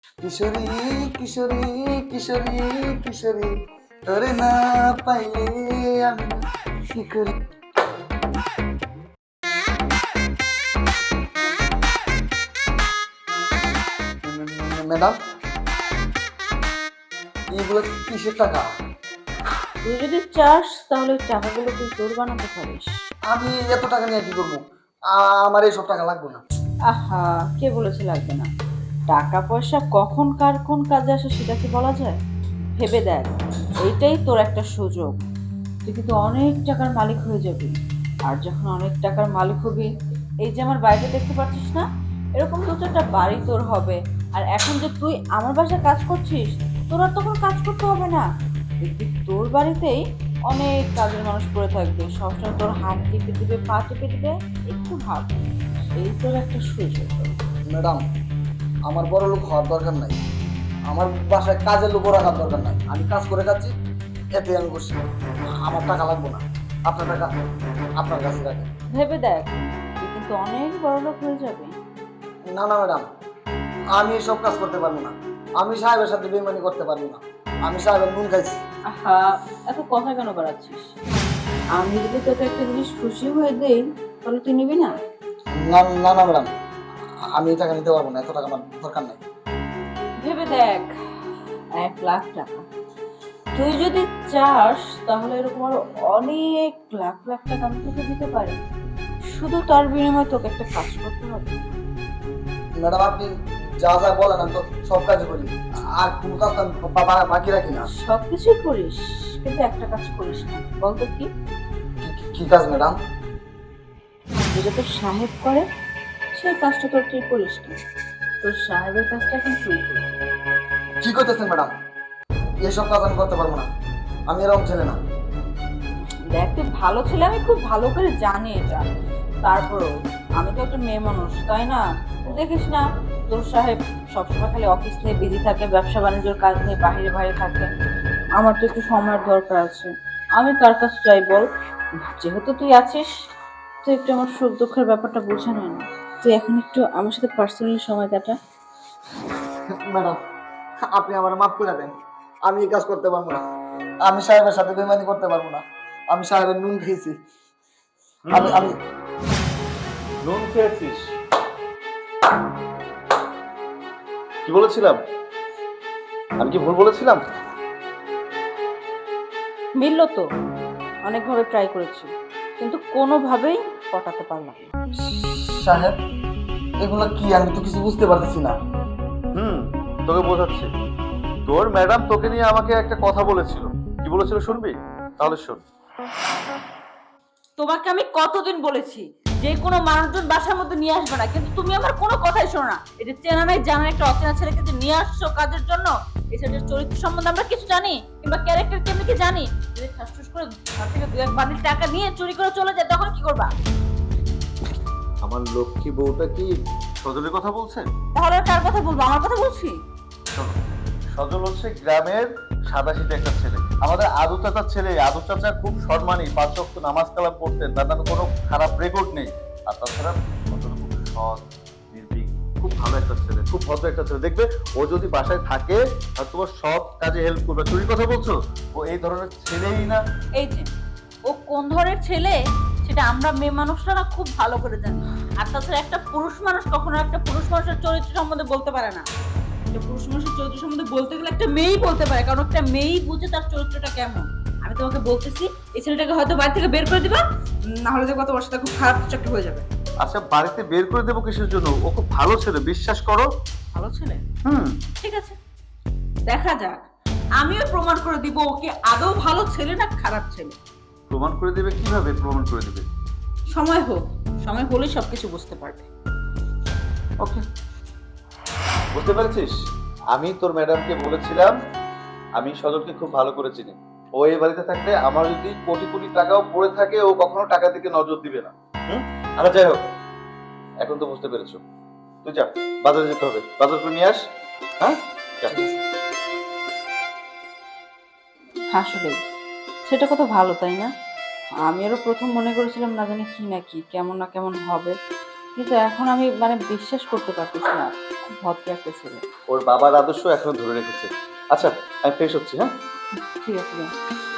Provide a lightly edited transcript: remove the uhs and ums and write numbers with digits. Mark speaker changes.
Speaker 1: কিশোরী কিশোরী কিশোরী কিশোরী তোরে না পাইলে আমি কি করি। ম্যাডাম, এইগুলো কিসের টাকা?
Speaker 2: তুই যদি চাস তাহলে ওই টাকাগুলো তুই তোর বানাতে পারিস।
Speaker 1: আমি এত টাকা নিয়ে কি করবো? আমার এইসব টাকা লাগবে না।
Speaker 2: আহা, কে বলেছে লাগবে না? টাকা পয়সা কখন কার কোন কাজে আসে সেটা কি বলা যায়? ভেবে দেখ, এইটাই তোর একটা সুযোগ। তুই কিন্তু অনেক টাকার মালিক হয়ে যাবি। আর যখন অনেক টাকার মালিক হবি, এই যে আমার বাড়িতে দেখতে পাচ্ছিস না, এরকম দু চারটা বাড়ি তোর হবে। আর এখন যে তুই আমার বাসায় কাজ করছিস, তোর আর তখন কাজ করতে হবে না। দেখবি তোর বাড়িতেই অনেক কাজের মানুষ পড়ে থাকবে, সবসময় তোর হাত টিপে দিবে, পা টিপে দিবে। একটু ভাব, এই তোর একটা সুযোগ।
Speaker 1: ম্যাডাম, আমার বড় লোক হওয়ার দরকার নাই। আমার বাসায় কাজের লোকও রাখার দরকার নাই। আমি কাজ করে খাচ্ছি, এতে আমি খুশি। আমার টাকা লাগবে না। আপনার টাকা আপনার কাছে রাখেন।
Speaker 2: ভেবে দেখ, তুই কিন্তু অনেক বড় লোক হয়ে যাবে।
Speaker 1: না না ম্যাডাম, আমি এসব কাজ করতে পারবো না। আমি সাহেবের সাথে বেইমানি করতে পারবো না। আমি সাহেবের নুন খাইছি।
Speaker 2: আহা, এত কথা কেন বাড়াচ্ছিস? আমি যদি তোকে একটা জিনিস খুশি হয়ে দেই, তাহলে তুই নিবি না?
Speaker 1: না না না ম্যাডাম, আমি এই টাকা নিতে পারবো না। এত টাকা আমার দরকার নাই।
Speaker 2: ভেবে দেখ, 1,00,000 টাকা। তুই যদি চাস তাহলে এরকম আরো অনেক লাখ লাখ টাকা আমি তোকে দিতে পারি। শুধু তার বিনিময়ে তোকে একটা কাজ করতে হবে।
Speaker 1: ম্যাডাম, আপনি যা যা বলেন আমি তো সব কাজ করি। আর কোনো কাজ তো আমি বাকি রাখি না।
Speaker 2: সবকিছুই করিস, কিন্তু একটা কাজ করিস না। বলতো কি?
Speaker 1: কি কাজ ম্যাডাম?
Speaker 2: যেটা তোর সাহেব করে সেই কাজটা তোর তুই করিস না। তোর সাহেবের কাজটা এখন তুই করবি।
Speaker 1: কি করতেছেন ম্যাডাম? এসব কাজ আমি করতে পারবো না। আমি এরকম ছেলে না।
Speaker 2: দেখ, তুই ভালো ছেলে, আমি খুব ভালো করে জানি এটা। তারপরও আমি তো একটা মেয়ে মানুষ, তাই না? তুই দেখিস না, তোর সাহেব সবসময় খালি অফিস নিয়ে বিজি থাকে, ব্যবসা বাণিজ্যের কাজ নিয়ে বাইরে বাইরে থাকে। আমার তো একটু সময়ের দরকার আছে। আমি কার কাছে চাই বল? যেহেতু তুই আছিস, তুই একটু আমার সুখ দুঃখের ব্যাপারটা বুঝে নে না। তুই এখন একটু আমার সাথে পার্সোনালি সময় কাটা।
Speaker 1: ম্যাডাম, আপনি আমার মাফ করে দেন। আমি এই কাজ করতে পারবো না। আমি সাহেবের সাথে বেইমানি করতে পারবো না। আমি সাহেবের নুন খেয়েছি। আমি আমি
Speaker 3: নুন খেয়েছিস? কি বলেছিলাম? আমি কি ভুল বলেছিলাম?
Speaker 2: মিললো তো, অনেকভাবে ট্রাই করেছি, কিন্তু কোনোভাবেই পটাতে পারলাম না।
Speaker 1: সাহেব, এগুলো কি? আমি তো কিছু বুঝতে পারতেছি না।
Speaker 3: তোকে বোঝাচ্ছি। তোর ম্যাডাম তোকে নিয়ে আমাকে একটা কথা বলেছিল। কি বলেছিল শুনবি? তাহলে শোন।
Speaker 2: তোমাকে আমি কতদিন বলেছি যে কোনো মানুষজন বাসার মধ্যে নিয়ে আসবে না, কিন্তু তুমি আমার কোনো কথাই শোনো না। এটা চেনা নাই জানা একটা অচেনা ছেলেকে যে নিয়ে আসছো কাজের জন্য, এই ছেলেটার চরিত্র সম্বন্ধে আমরা কিছু জানি, কিংবা ক্যারেক্টার কেমনি কি জানি? যদি ঠাসঠুস করে ঘর থেকে দু এক বান্ডিল টাকা নিয়ে চুরি করে চলে যায়, তখন কি করবা?
Speaker 3: আমার লক্ষ্মী বউটা কি সজলের কথা বলছে?
Speaker 2: তাহলে আর কার কথা বলবো? আমার কথা বলছি।
Speaker 3: শোনো, সজল হচ্ছে গ্রামের সাদাসিধে একটা ছেলে, আমাদের আদু চাচার ছেলে। আদু চাচা খুব সম্মানী, 5 ওয়াক্ত নামাজ কালাম পড়তেন, তার নামে কোনো খারাপ রেকর্ড নেই। আর তাছাড়া সজল খুব সৎ, নির্ভীক, খুব ভালো একটা ছেলে, খুব ভদ্র একটা ছেলে। দেখবে ও যদি বাসায় থাকে আর তোমার সব কাজে হেল্প করবে। চুরির কথা বলছো? ও এই ধরনের ছেলেই না।
Speaker 2: এই যে, ও কোন ধরনের ছেলে সেটা আমরা মেয়ে মানুষরা না খুব ভালো করে জানি। আর তাছাড়া একটা পুরুষ মানুষ কখনো একটা পুরুষ মানুষের চরিত্র সম্বন্ধে বলতে পারে না। একটা পুরুষ মানুষের চরিত্র সম্বন্ধে বলতে গেলে একটা মেয়েই বলতে পারে, কারণ একটা মেয়েই বুঝে তার চরিত্রটা কেমন। আমি তোমাকে বলতেছি, এই ছেলেটাকে হয়তো বাড়ি থেকে বের করে দিবা, না হলে দেখো তোমার সাথে খুব খারাপ কিছু একটা হয়ে যাবে।
Speaker 3: আচ্ছা, বাড়িতে বের করে দেবো কিসের জন্য? ও খুব ভালো ছেলে, বিশ্বাস করো।
Speaker 2: ভালো ছেলে?
Speaker 3: হুম
Speaker 2: ঠিক আছে, দেখা যাক। আমিও প্রমাণ করে দিব ওকে আদৌ ভালো ছেলে না খারাপ ছেলে।
Speaker 3: প্রমাণ করে দেবে? কিভাবে প্রমাণ করে দেবে?
Speaker 2: সময় হোক, সময় হলেই সবকিছু বুঝতে পারবে।
Speaker 3: ওকে, বুঝতে পেরেছিস? আমি তোর ম্যাডামকে বলেছিলাম আমি সজলকে খুব ভালো করে চিনি। ও এই বাড়িতে থাকলে আমার যদি কোটি কোটি টাকাও পড়ে থাকে, ও কখনো টাকা দিকে নজর দিবে না। আচ্ছা, যাই হোক, এখন তো বুঝতে পেরেছো। তুই যা, বাজারে যেতে হবে, বাজার করে নিয়ে আস। হ্যাঁ, যা।
Speaker 2: আসলে সেটা কত ভালো, তাই না? আমি আরো প্রথম মনে করেছিলাম না জানি কি না কি, কেমন না কেমন হবে, কিন্তু এখন আমি মানে বিশ্বাস করতে পারতেছি না। খুব ভদ্র একটা ছেলে।
Speaker 3: ওর বাবার আদর্শ এখনো ধরে রেখেছে। আচ্ছা, আমি ফ্রেশ হচ্ছি, হ্যাঁ?
Speaker 2: ঠিক আছে, যাও।